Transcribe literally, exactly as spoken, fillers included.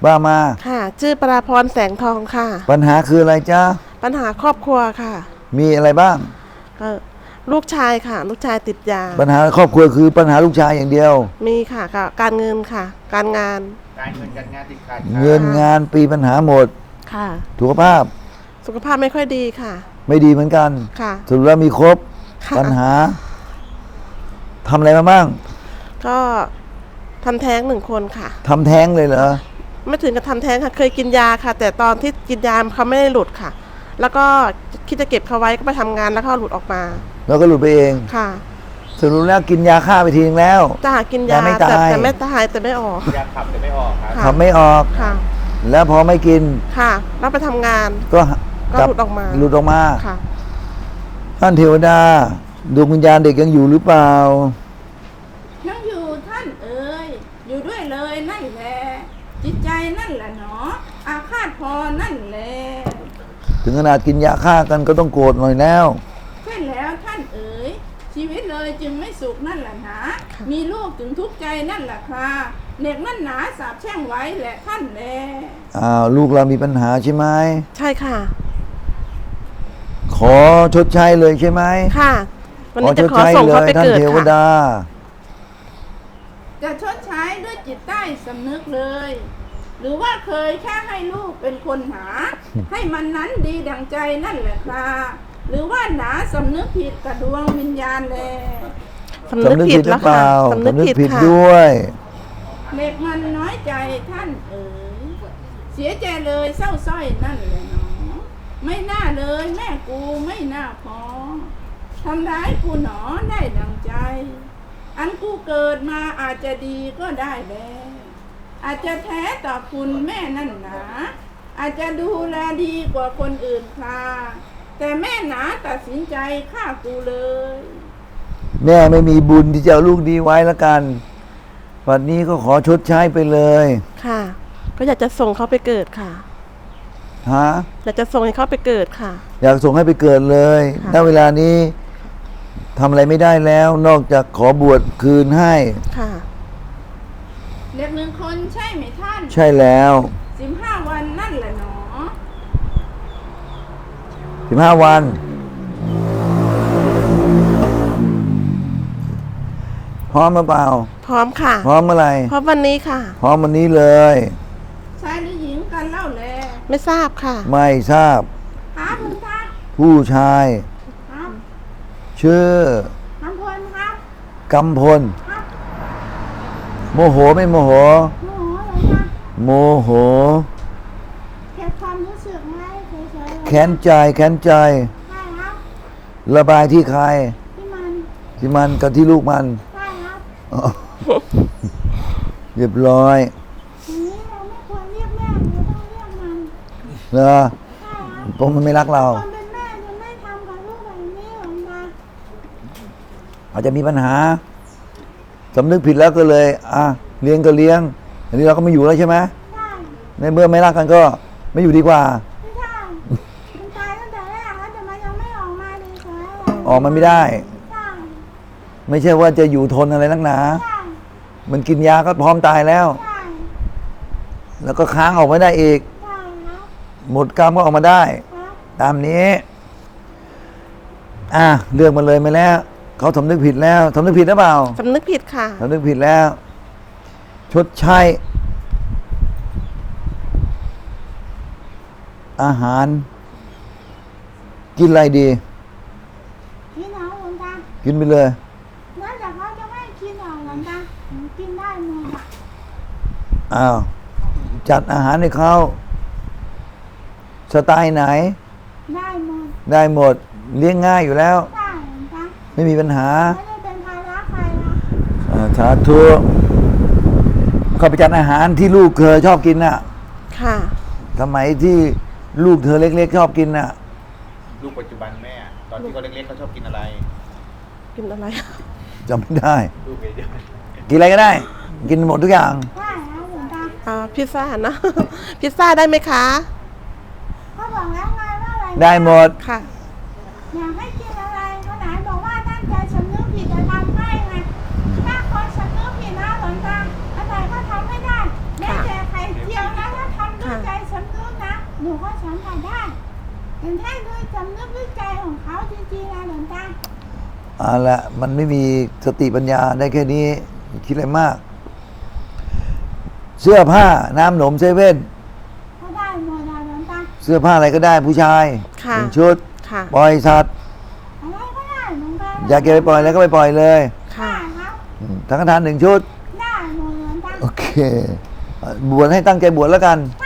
ว่ามาค่ะชื่อปราพรแสงทองค่ะปัญหาคืออะไรจ๊ะปัญหาครอบครัวค่ะมีอะไรบ้างก็ลูกชายค่ะลูกชายติดยาปัญหาครอบครัวคือปัญหาลูกชายอย่างเดียวมีค่ะการเงินค่ะการงานการเงินการงานติดขัดเงินงานปีปัญหาหมดค่ะสุขภาพสุขภาพไม่ค่อยดีค่ะไม่ดีเหมือนกันค่ะสรุปแล้วมีครบปัญหาทำอะไรมาบ้างก็ทำแท้งหนึ่งคนค่ะทำแท้งเลยเหรอไม่ถึงกับทำแท้งค่ะเคยกินยาค่ะแต่ตอนที่กินยาเขาไม่ได้หลุดค่ะแล้วก็คิดจะเก็บเขาไว้ก็ไปทำงานแล้วก็หลุดออกมาแล้วก็หลุดไปเองค่ะสรุปแล้วกินยาฆ่าไปทีนึงแล้วจะหากินยาแต่แต่ไม่ตายแต่ไม่ออกยาขับแต่ไม่ออกครับขับไม่ออกค่ะแล้วพอไม่กินค่ะแล้วไปทำงานก็ก็หลุดออกมาหลุดออกมาค่ะท่านเทวดาดวงวิญญาณเด็กยังอยู่หรือเปล่ายังอยู่ท่านเอ๋ยอยู่ด้วยเลยนั่นแหละจิตใจนั่นแหละเนาะอาฆาตพอนั่นแหละถึงขนาดกินยาฆ่ากันก็ต้องโกรธหน่อยแล้วใช่แล้วท่านเอ๋ยชีวิตเลยจึงไม่สุขนั่นแหละนะมีลูกถึงทุกข์ใจนั่นแหละค่ะเด็กนั่นหนาสาบแช่งไว้แหละท่านแลอ้าวลูกเรามีปัญหาใช่ไหมใช่ค่ะขอชดใช้เลยใช่ไหมค่ะวันนี้จะขอส่งเขาไปเกิดค่ะจะชดใช้ด้วยจิตใต้สำนึกเลยหรือว่าเคยแค่ให้ลูกเป็นคนหาให้มันนั้นดีดังใจนั่นแหละค่ะหรือว่าหนาสำนึกผิดกับดวงวิญญาณแลสำนึกผิดแล้วค่ะสำนึกผิดด้วยเด็กมันน้อยใจท่านเอ๋ยเสียใจเลยเศร้าส้อยนั่นแหละเนาะไม่น่าเลยแม่กูไม่น่าพอทำร้ายกูหนอได้ดังใจอันกูเกิดมาอาจจะดีก็ได้แล้วอาจจะแท้ต่อคุณแม่นั่นหนาอาจจะดูแลดีกว่าคนอื่นค่ะแต่แม่หนาตัดสินใจฆ่ากูเลยแม่ไม่มีบุญที่จะเอาลูกดีไว้แล้วกันวันนี้ก็ขอชดใช้ไปเลยค่ะก็อยากจะส่งเขาไปเกิดค่ะฮะอยากจะส่งให้เขาไปเกิดค่ะอยากส่งให้ไปเกิดเลยณเวลานี้ทำอะไรไม่ได้แล้วนอกจากขอบวชคืนให้ค่ะเด็กหนึ่งคนใช่ไหมท่านใช่แล้วสิบห้าวันนั่นแหละเนาะสิบห้าวันพร้อมหรือเปล่าพร้อมค่ะพร้อมเมื่อไหร่พร้อมวันนี้ค่ะพร้อมวันนี้เลยชายหรือหญิงกันเล่าแลไม่ทราบค่ะไม่ทราบครับคุณท่านผู้ชายครับชื่อกำพลครับกำพลครับโมโหไม่โมโหโมโหเลยครับโมโหเก็บความรู้สึกไว้เฉยๆแค้นใจแค้นใจใช่ครับระบายที่ใครที่มันที่มันกับที่ลูกมันใช่ครับเรียบร้อยทีนี้เราไม่ควรเรียกแม่เราต้องเรียกมันเหรอเพราะมันไม่รักเราคนเป็นแม่จะไม่ทำกับลูกแบบนี้หรอกนะอาจจะมีปัญหาสำนึกผิดแล้วก็เลยอ่ะเลี้ยงก็เลี้ยงอันนี้เราก็ไม่อยู่แล้วใช่ไหมใช่ในเมื่อไม่รักกันก็ไม่อยู่ดีกว่าไม่ใช่มันตายตั้งแต่แรกแล้วแต่มันยังไม่ออกมาดีเฉยออกมาไม่ได้ใช่ไม่ใช่ว่าจะอยู่ทนอะไรนักหนาใช่มันกินยาก็พร้อมตายแล้วใช่แล้วก็ค้างออกไม่ได้อีกใช่ครับหมดกรรมก็ออกมาได้ตามนี้อ่ะเลือกมาเลยมาแล้วเขาสำนึกผิดแล้วสำนึกผิดหรือเปล่าสำนึกผิดค่ะสำนึกผิดแล้วชดใช้อาหารกินอะไรดีกินเอาหลวงตากินไปเลยแล้วแต่เขาจะไม่กินเอาหลวงตากินได้หมดอ้าวจัดอาหารให้เขาสไตล์ไหนได้หมดได้หมดเลี้ยงง่ายอยู่แล้วได้หลวงตาไม่มีปัญหาไม่ได้เป็นภาระใครนะสาธุเขาไปจัดอาหารที่ลูกเธอชอบกินน่ะค่ะสมัยที่ลูกเธอเล็กๆชอบกินน่ะลูกปัจจุบันแม่ตอนที่เขาเล็กๆเขาชอบกินอะไรกินอะไรจำไม่ได้ลูกเดียวกินอะไรก็ได้กินหมดทุกอย่างได้นะหลวงตาอ่าพิซซ่านะพิซซ่าได้ไหมคะเขาบอกแล้วไงว่าอะไรได้หมดค่ะอยากให้กินอะไรเขาไหนบอกว่าตั้งใจสำนึกผิดจะทำให้ไงถ้าคนสำนึกผิดนะหลวงตาอะไรก็ทำไม่ได้แม้แต่ไข่เจียวนะถ้าหนูก็สัมผัสได้แต่ถ้าด้วยสำนึกด้วยใจของเขาจริงๆนะหลวงตาเอาละมันไม่มีสติปัญญาได้แค่นี้คิดอะไรมาก เสื้อผ้าน้ำหนมเซเว่นก็ได้หมดนะหลวงตาเสื้อผ้าอะไรก็ได้ผู้ชายค่ะหนึ่งชุดค่ะปล่อยสัตว์อะไรก็ได้หลวงตาอยากเก็บไปปล่อยแล้วก็ไปปล่อยเลยค่ะได้ครับอืมสังฆทานหนึ่งชุดได้หมดหลวงตาโอเคบวชให้ตั้งใจบวชแล้วกันค